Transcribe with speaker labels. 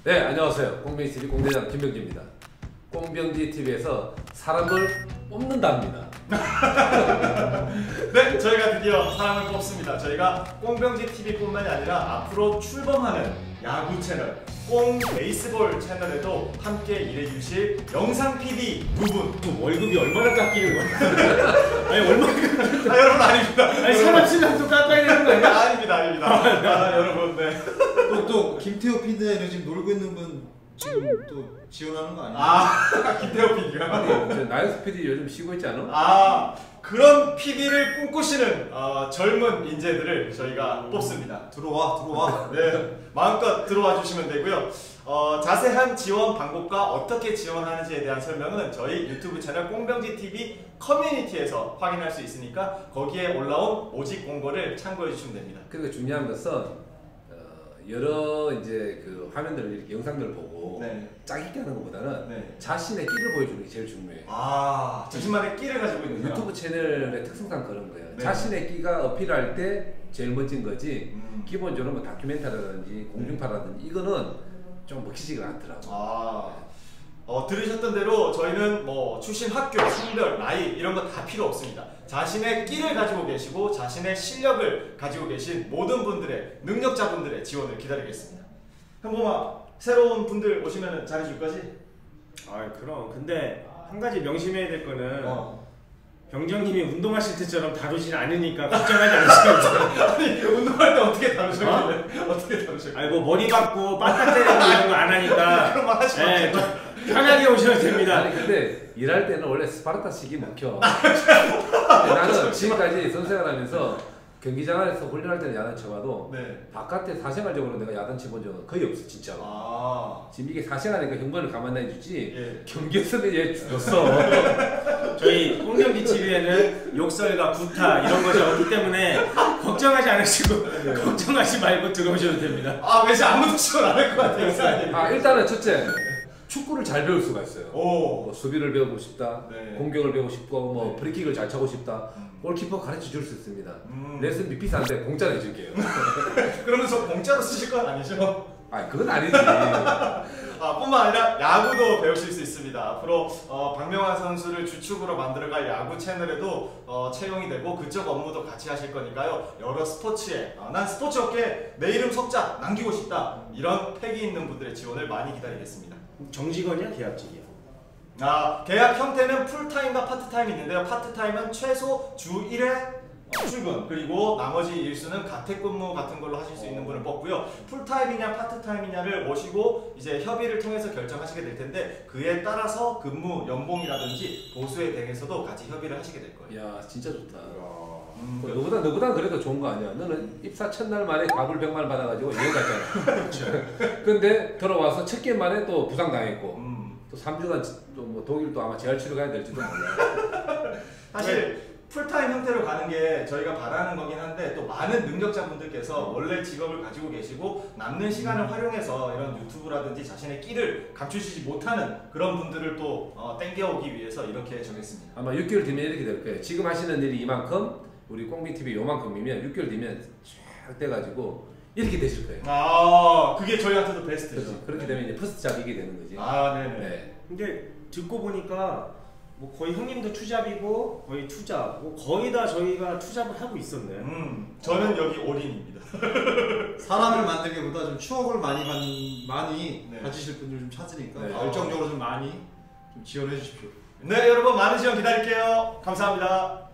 Speaker 1: 네, 안녕하세요. 꽁병지TV 공대장 김병지입니다. 꽁병지TV에서 사람을 뽑는답니다.
Speaker 2: 네, 저희가 드디어 사람을 뽑습니다. 저희가 꽁병지TV뿐만이 아니라 앞으로 출범하는 야구 채널 꽁베이스볼 채널에도 함께 일해주실 영상 PD 두 분.
Speaker 3: 또 월급이 얼마나 깎이는 거야? 아니 얼마나?
Speaker 2: 여러분 아닙니다.
Speaker 3: 아니 사람 신랑도 깎아야 되는 거 아니야?
Speaker 2: 아닙니다. 여러분, 네.
Speaker 4: 또 김태호 PD는 지금 놀고 있는 분 지금 또 지원하는 거 아니에요?
Speaker 2: 김태호 PD가.
Speaker 1: 아니, 나영수 PD 요즘 쉬고 있지 않아?
Speaker 2: 그런 PD를 꿈꾸시는 젊은 인재들을 저희가 뽑습니다.
Speaker 4: 들어와.
Speaker 2: 네, 마음껏 들어와 주시면 되고요. 자세한 지원 방법과 어떻게 지원하는지에 대한 설명은 저희 유튜브 채널 꽁병지TV 커뮤니티에서 확인할 수 있으니까 거기에 올라온 모집 공고를 참고해 주시면 됩니다.
Speaker 1: 그리고 중요한 것은 여러 이제 그 화면들을 이렇게 영상들을 보고
Speaker 2: 네.
Speaker 1: 짝 있게 하는 것보다는
Speaker 2: 네.
Speaker 1: 자신의 끼를 보여주는 게 제일 중요해요.
Speaker 2: 자신만의 끼를 가지고 있는
Speaker 1: 유튜브 채널의 특성상 그런 거예요.
Speaker 2: 네.
Speaker 1: 자신의 끼가 어필할 때 제일 멋진 거지. 기본적으로 뭐 다큐멘터리라든지 공중파라든지 이거는 좀 먹히지가 않더라고.
Speaker 2: 들으셨던 대로 저희는 뭐 출신 학교, 성별, 나이 이런 거 다 필요 없습니다. 자신의 끼를 가지고 계시고 자신의 실력을 가지고 계신 모든 분들의 능력자분들의 지원을 기다리겠습니다. 현범아, 새로운 분들 오시면 잘해줄 거지?
Speaker 3: 그럼 근데 한 가지 명심해야 될 거는 병정님이 운동하실 때처럼 다루진 않으니까 걱정하지 않으시면 돼요.
Speaker 2: 아니, 운동할 때 어떻게 다루셨길래? 어떻게 다루셨길래?
Speaker 3: 아니 뭐 머리 박고 빠딱 때리고 이런 거 안 하니까
Speaker 2: 그런 말 하시면 안 돼요.
Speaker 3: 편하게 오셔도 됩니다.
Speaker 1: 아니 근데 일할 때는 원래 스파르타식이 먹혀. 나는 지금까지 선생활하면서 경기장 안에서 훈련할 때는 야단 쳐봐도 바깥에 사생활적으로 내가 야단 쳐본 적은 거의 없어 진짜로. 지금 이게 사생활이니까 형벌을 감안해주지 경기에서는 얘 죽었어.
Speaker 3: 저희 꽁병지TV에는 욕설과 구타 이런 것이 없기 때문에 걱정하지 않으시고 걱정하지 말고 들어오셔도 됩니다.
Speaker 2: 왠지 아무도 지원 안 할 것 같아요.
Speaker 1: 일단은 첫째 축구를 잘 배울 수가 있어요.
Speaker 2: 뭐
Speaker 1: 수비를 배우고 싶다, 공격을 배우고 싶고 뭐 프리킥을 잘 차고 싶다. 골키퍼 가르쳐 줄 수 있습니다. 레슨비 비싼데 공짜로 해줄게요.
Speaker 2: 그러면 저 공짜로 쓰실 건 아니죠?
Speaker 1: 그건 아니지.
Speaker 2: 뿐만 아니라 야구도 배우실 수 있습니다. 앞으로 박명환 선수를 주축으로 만들어갈 야구 채널에도 채용이 되고 그쪽 업무도 같이 하실 거니까요. 여러 스포츠에 난 스포츠 업계에 내 이름 석자 남기고 싶다 이런 패기 있는 분들의 지원을 많이 기다리겠습니다.
Speaker 3: 정직원이야 계약직이야?
Speaker 2: 계약 형태는 풀타임과 파트타임이 있는데요. 파트타임은 최소 주 1회 출근, 그리고 나머지 일수는 가택근무 같은 걸로 하실 수 있는 분을 뽑고요. 풀타임이냐 파트타임이냐를 모시고 이제 협의를 통해서 결정하시게 될 텐데 그에 따라서 근무 연봉이라든지 보수에 대해서도 같이 협의를 하시게 될 거예요.
Speaker 1: 야, 진짜 좋다. 너보다 그래도 좋은 거 아니야. 너는 입사 첫날 만에 가불 100만 받아가지고 여행 갔잖아. 근데 들어와서 첫 게임 만에 또 부상 당했고 또 3주간 또 뭐 독일 또 아마 재활치료 가야 될지도 몰라.
Speaker 2: 사실 풀타임 형태로 가는 게 저희가 바라는 거긴 한데 또 많은 능력자분들께서 원래 직업을 가지고 계시고 남는 시간을 활용해서 이런 유튜브라든지 자신의 끼를 감추시지 못하는 그런 분들을 또 땡겨오기 위해서 이렇게 정했습니다.
Speaker 1: 아마 6개월 뒤면 이렇게 될 거예요. 지금 하시는 일이 이만큼, 우리 꽁병TV 요만큼이면 6개월 뒤면 쫙 돼가지고 이렇게 되실 거예요.
Speaker 2: 그게 저희한테도 베스트죠.
Speaker 1: 그렇게 되면 이제 퍼스트 잡이게 되는 거지.
Speaker 2: 네네.
Speaker 3: 근데 듣고 보니까 뭐 거의 형님도 투잡이고 거의 투잡, 뭐 거의 다 저희가 투잡을 하고 있었네.
Speaker 2: 저는 여기 올인입니다.
Speaker 4: 사람을 만들기보다 좀 추억을 많이 가지실 분들 좀 찾으니까 열정적으로 좀 많이 좀 지원해 주십시오.
Speaker 2: 네, 여러분 많은 지원 기다릴게요. 감사합니다.